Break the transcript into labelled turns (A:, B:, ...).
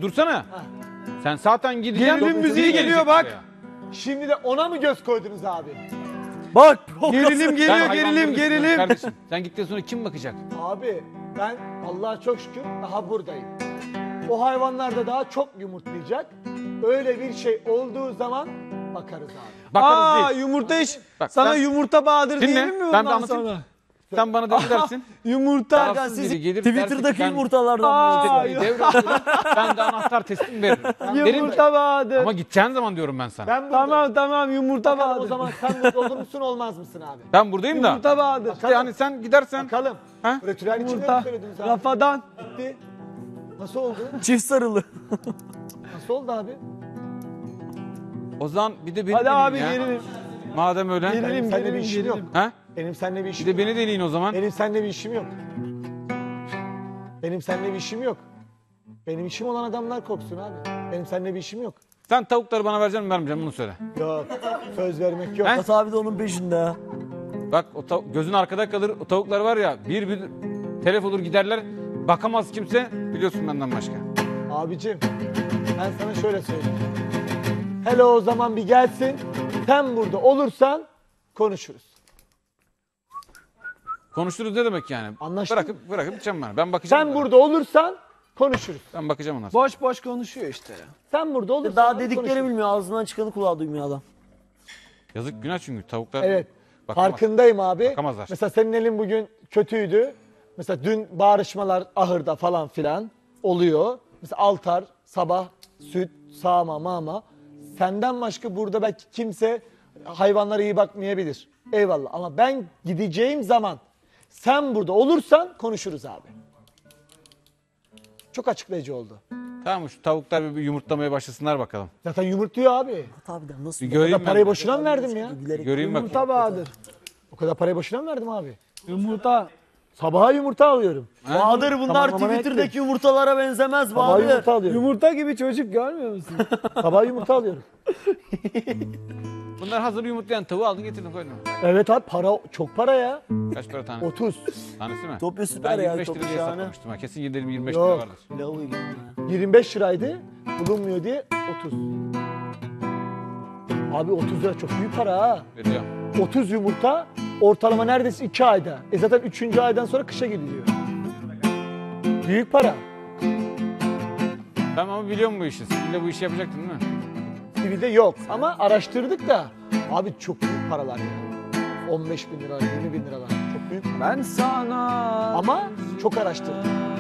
A: dursana. Ha. Sen zaten gideceksin.
B: Gerilim müziği geliyor bak.
A: Buraya.
C: Şimdi de ona mı göz koydunuz abi?
B: Bak gerilim geliyor,
A: Sen
B: gerilim,
A: hayvanları
B: gerilim.
A: Kardeşim, sen gittikten sonra kim bakacak?
C: Abi ben Allah'a çok şükür daha buradayım. O hayvanlar da daha çok yumurtlayacak. Öyle bir şey olduğu zaman bakarız abi.
A: Bakarız değil.
B: Yumurta iş.
A: Bak,
B: Sana
A: ben-
B: yumurta Bahadır
A: Dinle,
B: diyelim mi
A: ben
B: bundan
A: de anlatayım.
B: sonra?
A: Sen bana dedi dersin.
B: Yumurta.
A: Tarafsız biri gelip dersin ki
D: Twitter'daki
A: ben
D: yumurtalardan.
A: işte devralıyorum, ben de anahtar teslim veririm. Derim
B: Yumurta Bahadır.
A: ama gideceğin zaman diyorum ben sana.
C: Ben buradayım.
B: Tamam yumurta
C: Bakalım
B: Bahadır.
C: o zaman sen burada olur musun olmaz mısın abi?
A: Ben buradayım da.
B: Yumurta Bahadır.
A: İşte yani sen gidersen.
C: Bakalım.
A: Ha?
C: Ritüel içinde mi
B: Yumurta.
C: söylediniz abi?
B: Rafadan.
C: Bitti. Nasıl oldu?
D: Çift sarılı.
C: Nasıl oldu abi?
A: O zaman bir de beni
B: Hadi abi
A: deneyin ya.
B: gerilim.
A: Madem öyle.
B: Gerilim,
C: Seninle bir
B: gerilim,
C: işim yok.
B: gerilim.
A: Ha?
C: Benim seninle bir
A: Bir
C: işim
A: de
C: yok.
A: beni deneyin o zaman.
C: Benim seninle bir işim yok. Benim seninle bir işim yok. Benim işim olan adamlar korksun abi. Benim seninle bir işim yok.
A: Sen tavukları bana vereceksin mi vermeyeceğim bunu söyle.
C: Yok. Söz vermek yok.
A: He?
D: Murat abi de onun peşinde.
A: Bak o gözün arkada kalır. O tavuklar var ya bir telef olur giderler. Bakamaz kimse biliyorsun benden başka.
C: Abicim ben sana şöyle söyleyeyim. Hele o zaman bir gelsin. Sen burada olursan konuşuruz.
A: Konuşuruz ne demek yani?
C: Anlaştık.
A: Bırakıp gideceğim ben. Ben bakacağım.
C: Sen
A: onlara.
C: burada olursan konuşuruz.
A: Ben bakacağım onlara.
B: Boş boş konuşuyor işte ya.
C: Sen burada olursan
D: Daha dedikleri
C: konuşuruz.
D: bilmiyor. Ağzından çıkanı kulağı duymuyor adam.
A: Yazık günah çünkü tavuklar.
C: Evet.
A: Bakamaz.
C: Farkındayım abi.
A: Bakamazlar.
C: Mesela senin elin bugün kötüydü. Mesela dün bağırışmalar ahırda falan filan oluyor. Mesela altar, sabah, süt, sağma, mama. Senden başka burada belki kimse hayvanlara iyi bakmayabilir. Eyvallah ama ben gideceğim zaman sen burada olursan konuşuruz abi. Çok açıklayıcı oldu.
A: Tamam şu tavuklar bir yumurtlamaya başlasınlar bakalım.
C: Zaten yumurtluyor abi.
D: Murat abi de nasıl?
A: Bir göreyim
C: O kadar parayı
A: ben.
C: boşuna mı verdim ya?
D: Gülerek.
A: Göreyim bak.
B: Yumurta Bahadır.
C: O kadar parayı boşuna mı verdim abi?
B: Yumurta.
C: Sabaha yumurta alıyorum.
D: Bahadır bunlar
C: Tamam, ama
D: Twitter'daki yumurtalara benzemez
C: Sabaha
D: Bahadır.
C: yumurta alıyorum.
B: Yumurta gibi çocuk görmüyor musun?
C: Sabaha yumurta alıyorum.
A: Bunlar hazır yumurtlayan tavuğu aldın getirdin koydun.
C: Evet abi para çok para ya.
A: Kaç para tane?
C: 30.
A: Tanesi mi?
D: Topya süper
A: Ben
D: ya.
A: 25
D: Çok
A: lira diye
D: şahane.
A: hesaplamıştım. Ha. Kesin 25
C: Yok.
A: lira vardır.
D: Lavabo gibi ya.
C: 25 liraydı. Bulunmuyor diye 30. Abi 30 lira çok büyük para ha.
A: Veriyor.
C: 30 yumurta ortalama neredeyse 2 ayda. Zaten 3. aydan sonra kışa gidiliyor. Büyük para.
A: Ben ama biliyorum bu işi. Sen de bu işi yapacaktın değil mi?
C: TV'de yok ama araştırdık da. Abi çok büyük paralar ya. 15 bin lira, 20 bin liralar. Çok büyük para.
B: Ben sana.
C: Ama çok araştırdım.